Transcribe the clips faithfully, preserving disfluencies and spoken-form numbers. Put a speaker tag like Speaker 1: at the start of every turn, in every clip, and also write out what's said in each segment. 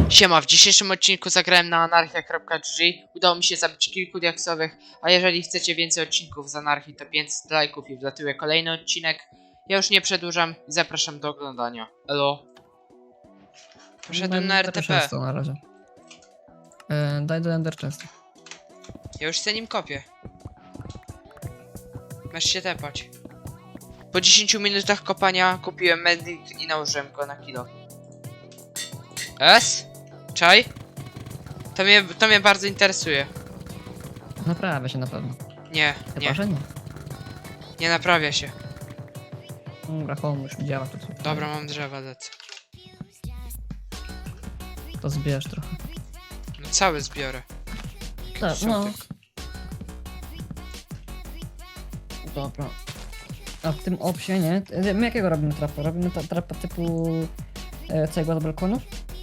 Speaker 1: Siema, w dzisiejszym odcinku zagrałem na anarchia kropka g g. Udało mi się zabić kilku diaksowych, a jeżeli chcecie więcej odcinków z anarchii, to pięćset lajków i wlatuje kolejny odcinek. Ja już nie przedłużam i zapraszam do oglądania. Elo. Poszedłem na R T P.
Speaker 2: Na razie. E, daj do Ender Chest.
Speaker 1: Ja już se nim kopię. Masz się tepać. Po dziesięciu minutach kopania kupiłem medit i nałożyłem go na kilo. S? Czaj? To mnie, to mnie bardzo interesuje.
Speaker 2: Naprawia się na pewno.
Speaker 1: Nie,
Speaker 2: Chyba,
Speaker 1: nie,
Speaker 2: że nie.
Speaker 1: nie naprawia się.
Speaker 2: Dobra, home już widziała to.
Speaker 1: Dobra, mam drzewa, lecę.
Speaker 2: To zbierz trochę.
Speaker 1: No całe zbiorę.
Speaker 2: Tak, no.
Speaker 1: Środek.
Speaker 2: Dobra. A w tym opsie, nie? E, My jakiego robimy trapa? Robimy ta, trapa typu e, cegła z balkonu?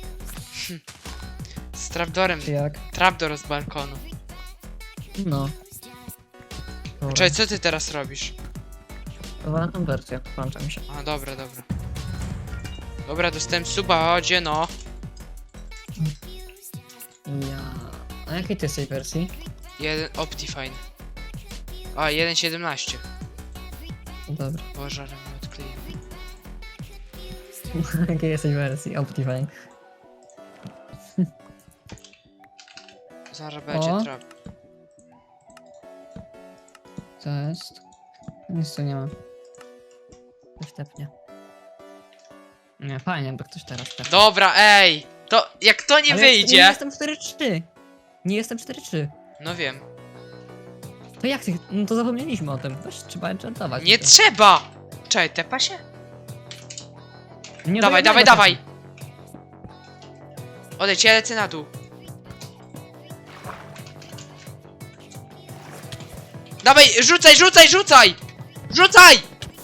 Speaker 1: Z trapdorem.
Speaker 2: Czy jak?
Speaker 1: Trapdor z balkonu.
Speaker 2: No. Dobra.
Speaker 1: Czekaj, co ty teraz robisz?
Speaker 2: Prowadza tą wersję, włącza mi się.
Speaker 1: A, dobra, dobra. Dobra, dostałem suba, chodzie no.
Speaker 2: Ja... A jakiej ty jesteś wersji?
Speaker 1: Jeden Optifine. A, jeden siedemnaście.
Speaker 2: Dobra.
Speaker 1: Boże, ale mnie odkleiłem.
Speaker 2: Jakiej jesteś wersji? Optifine.
Speaker 1: Zaraz będzie
Speaker 2: O.
Speaker 1: trap.
Speaker 2: To jest... Nic tu nie ma. Ktoś tepnie. Nie, fajnie, jakby ktoś teraz tepnie.
Speaker 1: Dobra, ej! To, jak to nie
Speaker 2: Ale
Speaker 1: wyjdzie...
Speaker 2: Nie jestem cztery trzy. Nie jestem cztery trzy.
Speaker 1: No wiem.
Speaker 2: To jak ty... No to zapomnieliśmy o tym. Weź, trzeba enchantować.
Speaker 1: Nie
Speaker 2: to.
Speaker 1: trzeba! Czekaj, tepa się?
Speaker 2: Nie
Speaker 1: Dawaj,
Speaker 2: do
Speaker 1: dawaj,
Speaker 2: jednego
Speaker 1: dawaj!
Speaker 2: tepu.
Speaker 1: Odejdź, ja lecę na dół. Dawaj, rzucaj, rzucaj, rzucaj! Rzucaj!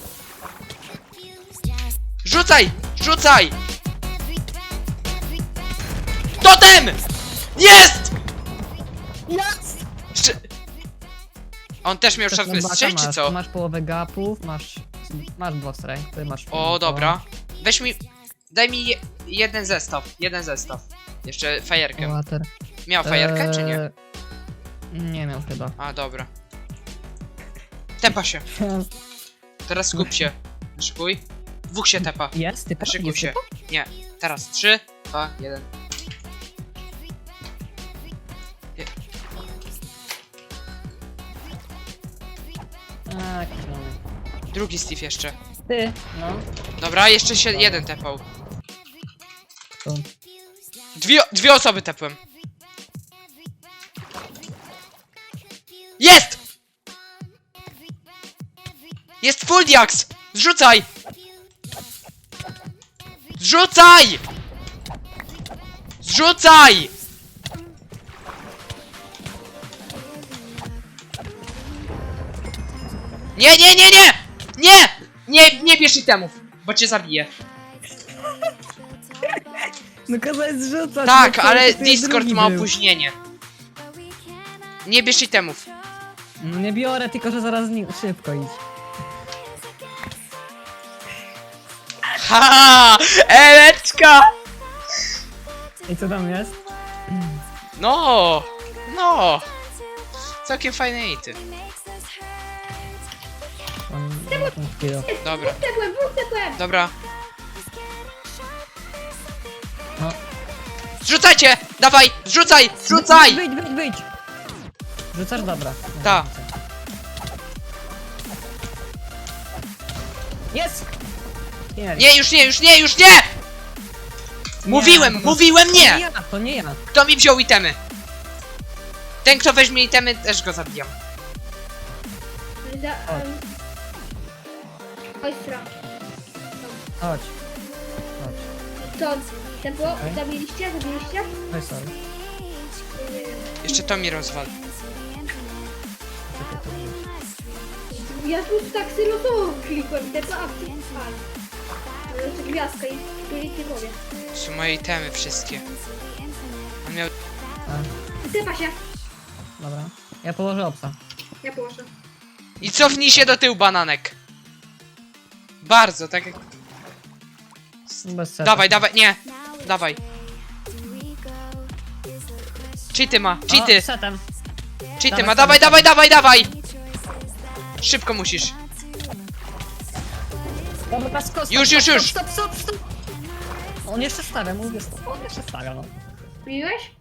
Speaker 1: Rzucaj! Rzucaj! Totem! Jest!
Speaker 2: Jest!
Speaker 1: Sz... On też miał szarpny strzał, czy
Speaker 2: masz,
Speaker 1: co?
Speaker 2: Masz połowę gapów, masz... Masz block strike, ty masz...
Speaker 1: O, dobra. Weź mi... Daj mi je, jeden zestaw, jeden zestaw. Jeszcze fajerkę.
Speaker 2: Water.
Speaker 1: Miał fajerkę, czy nie?
Speaker 2: Eee, Nie miał chyba.
Speaker 1: A, dobra. Tepa się. Teraz skup się. Szykuj. Dwóch się tepa.
Speaker 2: Jest typa?
Speaker 1: Szykuj
Speaker 2: Jest
Speaker 1: się.
Speaker 2: typa?
Speaker 1: Nie. Teraz trzy, dwa, jeden. Je-
Speaker 2: A, jakiś mamy.
Speaker 1: Drugi Steve jeszcze.
Speaker 2: Ty, no.
Speaker 1: Dobra, jeszcze się jeden tepał.
Speaker 2: To.
Speaker 1: Dwie, dwie osoby tepłem. Jest! Jest full diaks! Zrzucaj! Zrzucaj! Zrzucaj! Nie, nie, nie, nie! Nie! Nie, nie bierz itemów, bo cię zabiję.
Speaker 2: No kazałeś zrzucać.
Speaker 1: Tak,
Speaker 2: no to
Speaker 1: ale
Speaker 2: to
Speaker 1: Discord
Speaker 2: drugi
Speaker 1: ma
Speaker 2: był.
Speaker 1: opóźnienie. Nie bierz itemów.
Speaker 2: No nie biorę, tylko że zaraz nie... szybko idź.
Speaker 1: Ha! Eleczka!
Speaker 2: I co tam jest?
Speaker 1: No! No! Całkiem fajne ity.
Speaker 2: Mam mam skill.
Speaker 1: Dobra,
Speaker 3: Tepłem, dwóch tepłem!
Speaker 1: dobra.
Speaker 2: No.
Speaker 1: Zrzucajcie! Dawaj! Zrzucaj! Zrzucaj!
Speaker 2: Wyjdź, wyjdź, wyjdź! Rzucasz? Dobra.
Speaker 1: Ta.
Speaker 2: Jest! Nie,
Speaker 1: Nie, już nie, już nie, już nie! Mówiłem,
Speaker 2: to-
Speaker 1: mówiłem
Speaker 2: To nie
Speaker 1: nie!
Speaker 2: ja, to nie ja.
Speaker 1: Kto mi wziął itemy? Ten, kto weźmie itemy, też go zabijam.
Speaker 3: Za... Um... Ostra.
Speaker 2: Chodź. Chodź.
Speaker 3: To tempo,
Speaker 2: Okej.
Speaker 3: zabiliście, zabiliście?
Speaker 2: Chodź sorry.
Speaker 1: Jeszcze to mi rozwal.
Speaker 2: Czekaj, to będzie.
Speaker 3: Ja tu tak sylosowo klikłem, tempo, a ty... A. To jest gwiazdka i tu nic nie powiem.
Speaker 1: To są moje itemy wszystkie. On miał...
Speaker 2: A,
Speaker 3: Tepa się.
Speaker 2: dobra. Ja położę obsa.
Speaker 3: Ja położę.
Speaker 1: I cofnij się do tyłu, bananek. Bardzo, tak jak...
Speaker 2: Bez sensu.
Speaker 1: Dawaj, dawaj, nie! Dawaj. Cheaty ma,
Speaker 2: O,
Speaker 1: cheaty,
Speaker 2: setem.
Speaker 1: cheaty
Speaker 2: dawaj,
Speaker 1: ma, dawaj,
Speaker 2: dawaj,
Speaker 1: dawaj, dawaj, dawaj! Szybko musisz.
Speaker 2: Dobra, stop, stop,
Speaker 1: Już,
Speaker 2: stop,
Speaker 1: już, już.
Speaker 2: Stop, stop, stop, stop. On jeszcze stawia, mówię, stop, on jeszcze stawia, no.
Speaker 3: Mówiłeś?